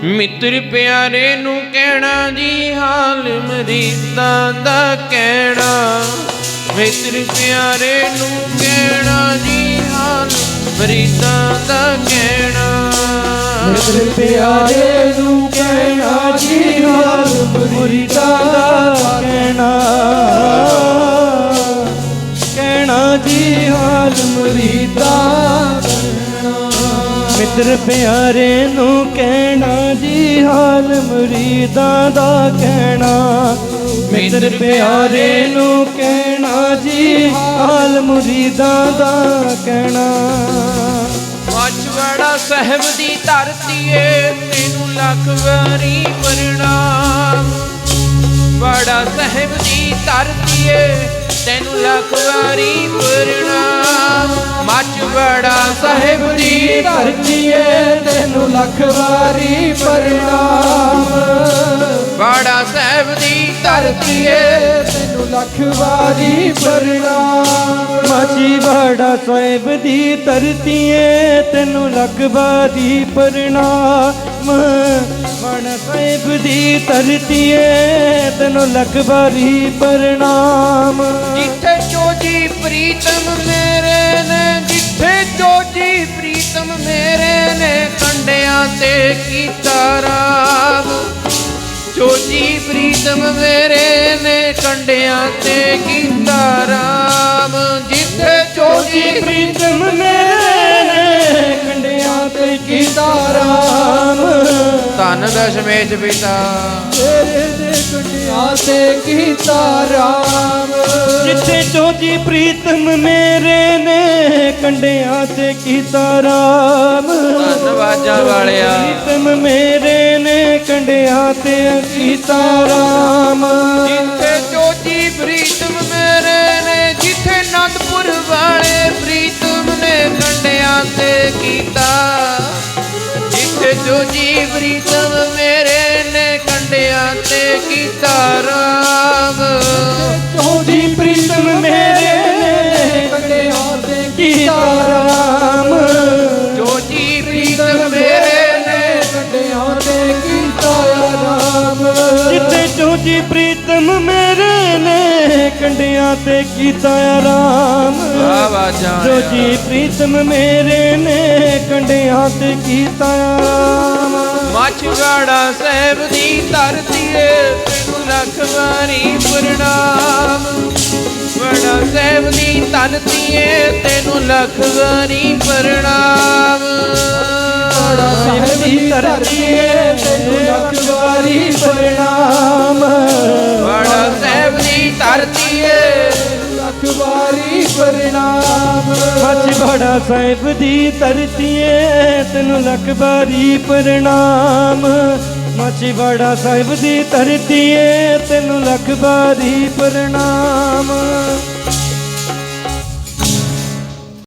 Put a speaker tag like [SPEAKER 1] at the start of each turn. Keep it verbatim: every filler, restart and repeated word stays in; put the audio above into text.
[SPEAKER 1] ਮਿੱਤਰ ਪਿਆਰੇ ਨੂੰ ਕਹਿਣਾ ਜੀ ਹਾਲ ਮਰੀਦਾਂ ਦਾ ਕਹਿਣਾ। ਮਿੱਤਰ ਪਿਆਰੇ ਨੂੰ ਕਹਿਣਾ ਜੀ ਹਾਲ ਮਰੀਦਾਂ ਦਾ ਕਹਿਣਾ।
[SPEAKER 2] ਮਿੱਤਰ ਪਿਆਰੇ ਨੂੰ ਕਹਿਣਾ ਜੀ ਹਾਲ ਮਰੀਦਾਂ ਦਾ ਕਹਿਣਾ। ਕਹਿਣਾ ਜੀ ਹਾਲ ਮਰੀਦਾਂ ਦਾ। ਮਿੱਤਰ ਪਿਆਰੇ ਨੂੰ ਕਹਿਣਾ ਜੀ ਹਾਲ ਮੁਰੀਦਾਂ ਦਾ ਕਹਿਣਾ। ਮਿੱਤਰ ਪਿਆਰੇ ਨੂੰ ਕਹਿਣਾ ਜੀ ਹਾਲ ਮੁਰੀਦਾਂ ਦਾ ਕਹਿਣਾ।
[SPEAKER 1] ਮਾਛਵਾੜਾ ਸਾਹਿਬ ਦੀ ਧਰਤੀ ਏ ਤੈਨੂੰ ਲੱਖ ਵਾਰੀ ਪ੍ਰਣਾਮ। ਵਾੜਾ ਸਾਹਿਬ ਦੀ ਧਰਤੀ ਏ ਤੈਨੂੰ ਲੱਖ ਵਾਰੀ ਪ੍ਰਣਾਮ। ਮਾਛਵਾੜਾ ਸਾਹਿਬ ਦੀ
[SPEAKER 2] ਧਰਤੀ ਏ ਤੈਨੂੰ ਲੱਖ ਵਾਰੀ ਪ੍ਰਣਾਮ।
[SPEAKER 1] ਵਾੜਾ ਸਾਹਿਬ ਦੀ ਧਰਤੀ ਏ
[SPEAKER 2] ਤੈਨੂੰ ਲੱਖ ਵਾਰੀ ਪ੍ਰਣਾਮ। ਮਾਛੀਵਾੜਾ ਸਾਹਿਬ ਦੀ ਧਰਤੀ ਏ ਤੈਨੂੰ ਲੱਖ ਵਾਰੀ ਪ੍ਰਣਾਮ। ਵਾੜਾ ਸਾਹਿਬ ਦੀ ਧਰਤੀ ਏ ਤੈਨੂੰ ਲੱਖ ਵਾਰੀ ਪ੍ਰਣਾਮ।
[SPEAKER 1] ਜਿੱਥੇ ਚੋਜੀ ਪ੍ਰੀਤਮ ਮੇਰੇ ਨੇ, ਜਿੱਥੇ ਚੋਜੀ ਪ੍ਰੀਤਮ ਮੇਰੇ ਨੇ ਕੰਡਿਆਂ ਤੇ ਕੀਤਾ ਰਾਮ। ਚੋਜੀ ਪ੍ਰੀਤਮ ਮੇਰੇ ਨੇ ਕੰਡਿਆਂ ਤੇ ਕੀਤਾ ਰਾਮ। ਜਿੱਥੇ ਚੋਜੀ
[SPEAKER 2] ਪ੍ਰੀਤਮ ਮੇਰੇ ਨੇ ਕੰਡਿਆਂ ਤੇ ਕੀਤਾ ਰਾਮ।
[SPEAKER 1] ਧੰਨ ਦਸ਼ਮੇਸ਼ ਪਿਤਾ
[SPEAKER 2] ਤੇਰੇ ਦੇ ਕੰਡਿਆਂ ਤੇ ਕੀਤਾ ਰਾਮ। ਜਿੱਥੇ ਚੋਜੀ ਪ੍ਰੀਤਮ ਮੇਰੇ ਨੇ ਕੰਡਿਆਂ ਤੇ ਕੀਤਾ ਰਾਮ।
[SPEAKER 1] ਧੰਨਵਾਜਾਂ ਵਾਲਿਆ
[SPEAKER 2] ਪ੍ਰੀਤਮ ਮੇਰੇ ਨੇ ਕੰਡਿਆਂ ਤੇ ਕੀਤਾ ਰਾਮ।
[SPEAKER 1] ਜਿੱਥੇ ਚੋਜੀ ਪ੍ਰੀਤਮ ਮੇਰੇ ਨੇ, ਜਿੱਥੇ ਅਨੰਦਪੁਰ ਵਾਲੇ ਪ੍ਰੀਤਮ ਨੇ ਕੰਡਿਆਂ ਤੇ ਕੀਤਾ। ਜਿੱਥੇ ਚੋਜੀ ਪ੍ਰੀਤਮ ਮੇਰੇ ਨੇ ਕੰਡਿਆਂ ਤੇ ਕੀਤਾ ਰਾਮ।
[SPEAKER 2] ਚੋਜੀ ਪ੍ਰੀਤਮ ਮੇਰੇ ਨੇ ਕੰਡਿਆਂ ਤੇ ਕੀਤਾ ਰਾਮ।
[SPEAKER 1] ਚੋਜੀ ਪ੍ਰੀਤਮ ਮੇਰੇ ਨੇ
[SPEAKER 2] ਕੰਡਿਆਂ ਤੇ ਕੀਤਾ ਰਾਮ। ਜਿੱਥੇ ਚੋਜੀ ਪ੍ਰੀਤਮ ਮੇਰੇ ਨੇ ਕੰਡਿਆਂ ਤੇ ਕੀਤਾ ਰਾਮ।
[SPEAKER 1] ਆਵਾਜ਼ਾਂ
[SPEAKER 2] ਚੋਜੀ ਪ੍ਰੀਤਮ ਮੇਰੇ ਨੇ ਕੰਡਿਆਂ ਤੇ ਕੀਤਾ ਰਾਮ।
[SPEAKER 1] ਮਾਛਵਾੜਾ ਸਾਹਿਬ ਦੀ ਧਰਤੀ ਏ ਤੈਨੂੰ ਲੱਖ ਵਾਰੀ ਪ੍ਰਣਾਮ। ਵਾੜਾ ਸਾਹਿਬ ਦੀ ਧਰਤੀ ਏ ਤੈਨੂੰ ਲੱਖ ਵਾਰੀ ਪ੍ਰਣਾਮ।
[SPEAKER 2] ਵਾੜਾ ਸਾਹਿਬ ਦੀ ਧਰਤੀ ਏ ਤੈਨੂੰ ਲੱਖ ਵਾਰੀ ਪ੍ਰਣਾਮ।
[SPEAKER 1] ਵਾੜਾ ਸਾਹਿਬ ਦੀ ਧਰਤੀ ਏ
[SPEAKER 2] ਲੱਖ ਵਾਰੀ ਪ੍ਰਣਾਮ। ਮਾਛੀਵਾੜਾ ਸਾਹਿਬ ਦੀ ਧਰਤੀ ਏ ਤੈਨੂੰ ਲੱਖ ਵਾਰੀ ਪ੍ਰਣਾਮ। ਮਾਛੀਵਾੜਾ ਸਾਹਿਬ ਦੀ ਧਰਤੀ ਏ ਤੈਨੂੰ ਲੱਖ ਵਾਰੀ ਪ੍ਰਣਾਮ।